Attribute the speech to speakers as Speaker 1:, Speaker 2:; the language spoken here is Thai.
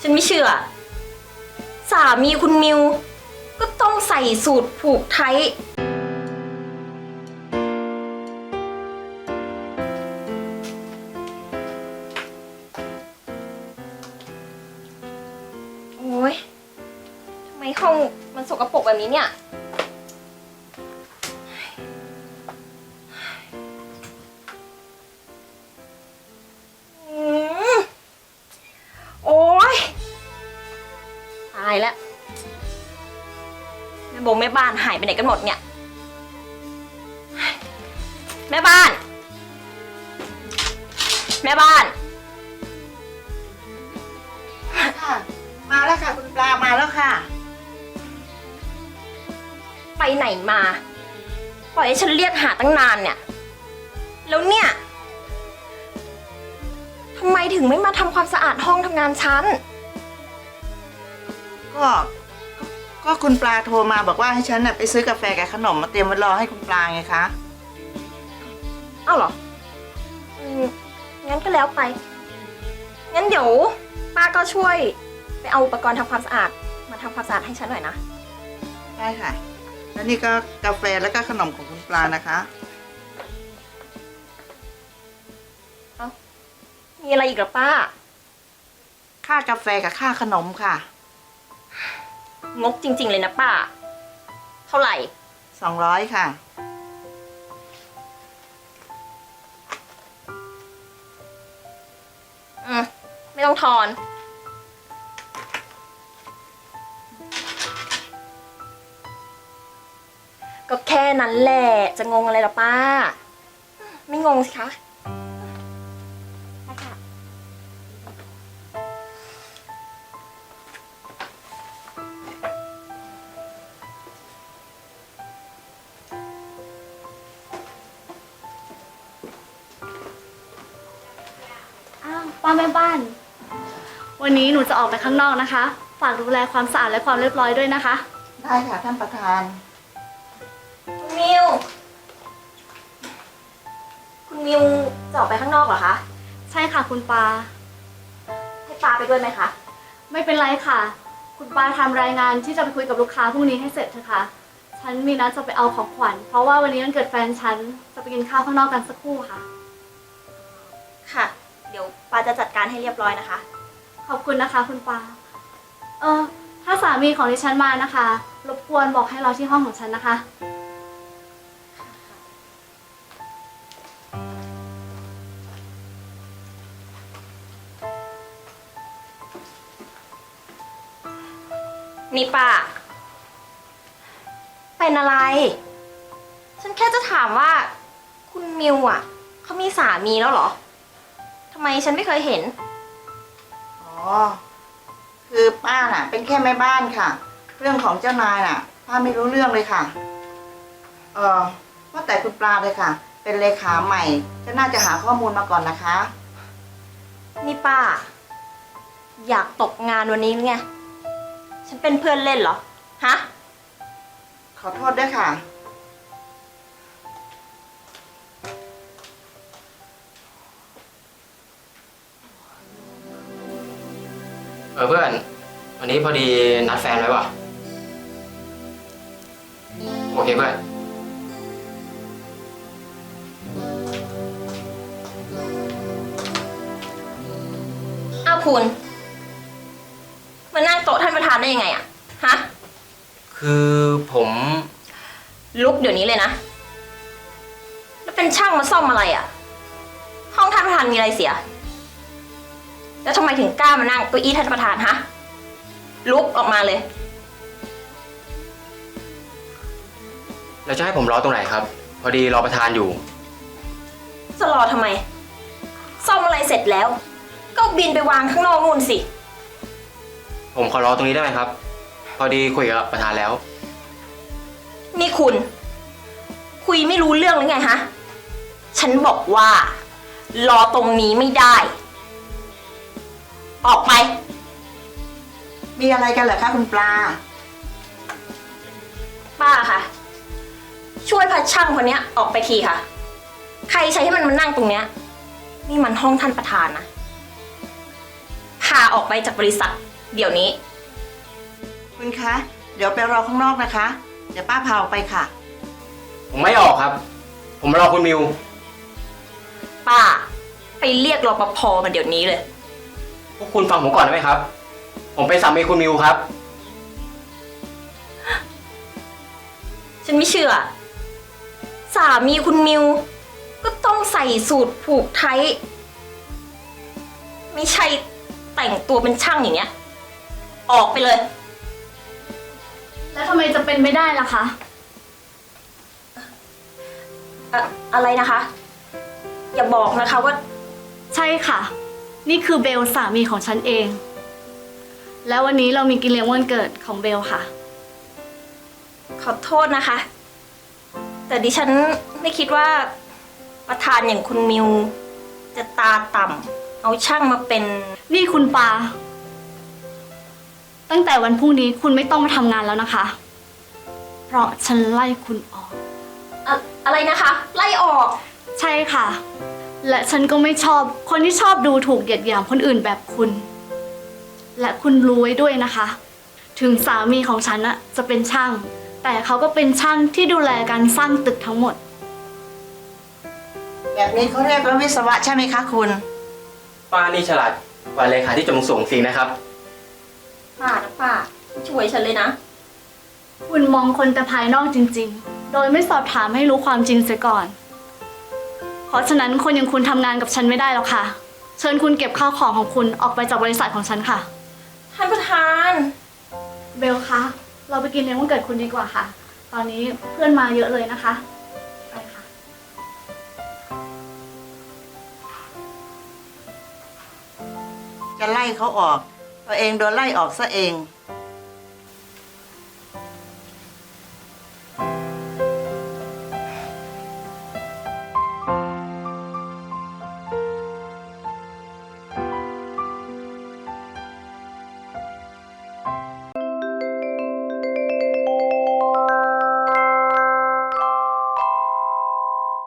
Speaker 1: ฉันไม่เชื่อสามีคุณมิวก็ต้องใส่สูทผูกไทยโอ้ยทำไมห้องมันสกปรกแบบนี้เนี่ยโอ้ยตายแล้วแม่บงแม่บ้านหายไปไหนกันหมดเนี่ยแม่บ้านแม่บ้าน
Speaker 2: ค่ะมาแล้วค่ะคุณปลามาแล้วค่ะ
Speaker 1: ไปไหนมาปล่อยให้ฉันเรียกหาตั้งนานเนี่ยแล้วเนี่ยทำไมถึงไม่มาทำความสะอาดห้องทำงานฉัน
Speaker 2: ก็คุณปลาโทรมาบอกว่าให้ฉันน่ะไปซื้อกาแฟกับขนมมาเตรียมไว้รอให้คุณปลาไงคะ
Speaker 1: อ้าวเหรองั้นก็แล้วไปงั้นเดี๋ยวป้าก็ช่วยไปเอาอุปกรณ์ทำความสะอาดมาทำความสะอาดให้ฉันหน่อยนะ
Speaker 2: ได้ค่ะแล้วนี่ก็กาแฟแล้วก็ขนมของคุณปลานะคะ
Speaker 1: มีอะไรอีกหรอป้า
Speaker 2: ค่ากาแฟกับค่าขนมค่ะ
Speaker 1: งกจริงๆเลยนะป้าเท่าไหร่
Speaker 2: 200ค่ะ
Speaker 1: ไม่ต้องทอนก็แค่นั้นแหละจะงงอะไรหรอป้าไม่งงสิคะ
Speaker 3: ป้าแม่บ้านวันนี้หนูจะออกไปข้างนอกนะคะฝากดูแลความสะอาดและความเรียบร้อยด้วยนะคะ
Speaker 2: ได้ค่ะท่านประธาน
Speaker 1: คุณมิวจะออกไปข้างนอกเหรอคะ
Speaker 3: ใช่ค่ะคุณปา
Speaker 1: ให้ปาไปด้วยไหมคะ
Speaker 3: ไม่เป็นไรค่ะคุณปาทำรายงานที่จะไปคุยกับลูกค้าพรุ่งนี้ให้เสร็จเถอะค่ะฉันมีนัดจะไปเอาของขวัญเพราะว่าวันนี้วันเกิดแฟนฉันจะไปกินข้าวข้างนอกกันสักครู่ค่ะ
Speaker 1: ค่ะเดี๋ยวปาจะจัดการให้เรียบร้อยนะคะ
Speaker 3: ขอบคุณนะคะคุณปาถ้าสามีของดิฉันมานะคะรบกวนบอกให้รอที่ห้องของฉันนะคะ
Speaker 1: นี่ป้าเป็นอะไรฉันแค่จะถามว่าคุณมิวอ่ะเขามีสามีแล้วเหรอทำไมฉันไม่เคยเห็น
Speaker 2: คือป้าน่ะเป็นแค่แม่บ้านค่ะเรื่องของเจ้านายน่ะป้าไม่รู้เรื่องเลยค่ะว่าแต่คุณปลาเลยค่ะเป็นเลขาใหม่ก็น่าจะหาข้อมูลมาก่อนนะคะ
Speaker 1: นี่ป้าอยากตกงานวันนี้ไงฉันเป็นเพื่อนเล่นเหรอฮะ
Speaker 2: ขอโทษด้วยค่ะ
Speaker 4: เพื่อนวันนี้พอดีนัดแฟนไว้ว่ะโอเคเพื่อน
Speaker 1: อ้าวคุณมานั่งโต๊ะท่านประธานได้ยังไงอะฮะ
Speaker 4: คือผม
Speaker 1: ลุกเดี๋ยวนี้เลยนะแล้วเป็นช่างมาซ่อมอะไรอะห้องท่านประธานมีอะไรเสียแล้วทำไมถึงกล้ามานั่งเก้าอี้ท่านประธานฮะลุกออกมาเลย
Speaker 4: แล้วจะให้ผมรอตรงไหนครับพอดีรอประธานอยู่
Speaker 1: จะรอทำไมซ่อมอะไรเสร็จแล้วก็บินไปวางข้างนอกนู่นสิ
Speaker 4: ผมขอรอตรงนี้ได้ไหมครับพอดีคุยกับประธานแล้ว
Speaker 1: นี่คุณคุยไม่รู้เรื่องหรือไงฮะฉันบอกว่ารอตรงนี้ไม่ได้ออกไป
Speaker 2: มีอะไรกันเหรอคะคุณปลา
Speaker 1: ป้าค่ะช่วยพาช่างคนนี้ออกไปทีค่ะใครใช้ให้มันมานั่งตรงเนี้ยนี่มันห้องท่านประธานนะพาออกไปจากบริษัทเดี๋ยวนี้
Speaker 2: คุณคะ เดี๋ยวไปรอข้างนอกนะคะ เดี๋ยวป้าพาออกไปค่ะ
Speaker 4: ผมไม่ออกครับ ผมรอคุณมิว
Speaker 1: ป้า ไปเรียกรปภมาเดี๋ยวนี้เลย
Speaker 4: พวกคุณฟังผมก่อนได้ไหมครับ ผมเป็นสามีคุณมิวครับ
Speaker 1: ฉันไม่เชื่อ สามีคุณมิว ก็ต้องใส่สูทผูกไทย ไม่ใช่แต่งตัวเป็นช่างอย่างเงี้ย ออกไปเลย
Speaker 3: แล้วทำไมจะเป็นไม่ได้ล่ะคะ
Speaker 1: อะไรนะคะ อย่าบอกนะคะว่า
Speaker 3: ใช่ค่ะ นี่คือเบลสามีของฉันเอง แล้ววันนี้เรามีกินเลี้ยงวันเกิดของเบลค่ะ
Speaker 1: ขอโทษนะคะ แต่ดิฉันไม่คิดว่าประธานอย่างคุณมิว จะตาต่ำเอาช่างมาเป็น
Speaker 3: นี่คุณปา ตั้งแต่วันพรุ่งนี้คุณไม่ต้องมาทำงานแล้วนะคะ เพราะฉันไล่คุณออก
Speaker 1: อะไรนะคะ ไล่ออก
Speaker 3: ใช่ค่ะ และฉันก็ไม่ชอบคนที่ชอบดูถูกเหยียดหยามคนอื่นแบบคุณ และคุณรู้ไว้ด้วยนะคะ ถึงสามีของฉันอะจะเป็นช่าง แต่เขาก็เป็นช่างที่ดูแลการสร้างตึกทั้งหมด
Speaker 2: แบบนี้เขาเรียกว่าวิศวะใช่ไหมคะคุณ
Speaker 4: ป้านี่ฉลาดกว่าเลขาที่จงสูงสิงนะครับ
Speaker 1: ป้านะป้า ช่วยฉันเลยนะ
Speaker 3: คุณมองคนแต่ภายนอกจริงๆ โดยไม่สอบถามให้รู้ความจริงเสียก่อน เพราะฉะนั้นคนอย่างคุณทำงานกับฉันไม่ได้หรอกค่ะ เชิญคุณเก็บข้าวของของคุณออกไปจากบริษัทของฉันค่ะ
Speaker 1: ท่านประธาน
Speaker 3: เบลคะ เราไปกินเลี้ยงวันเกิดคุณดีกว่าค่ะ ตอนนี้เพื่อนมาเยอะเลยนะคะ ไปค่ะ
Speaker 2: จะไล่เขาออก ตัวเองโดนไล่ออกซะเอง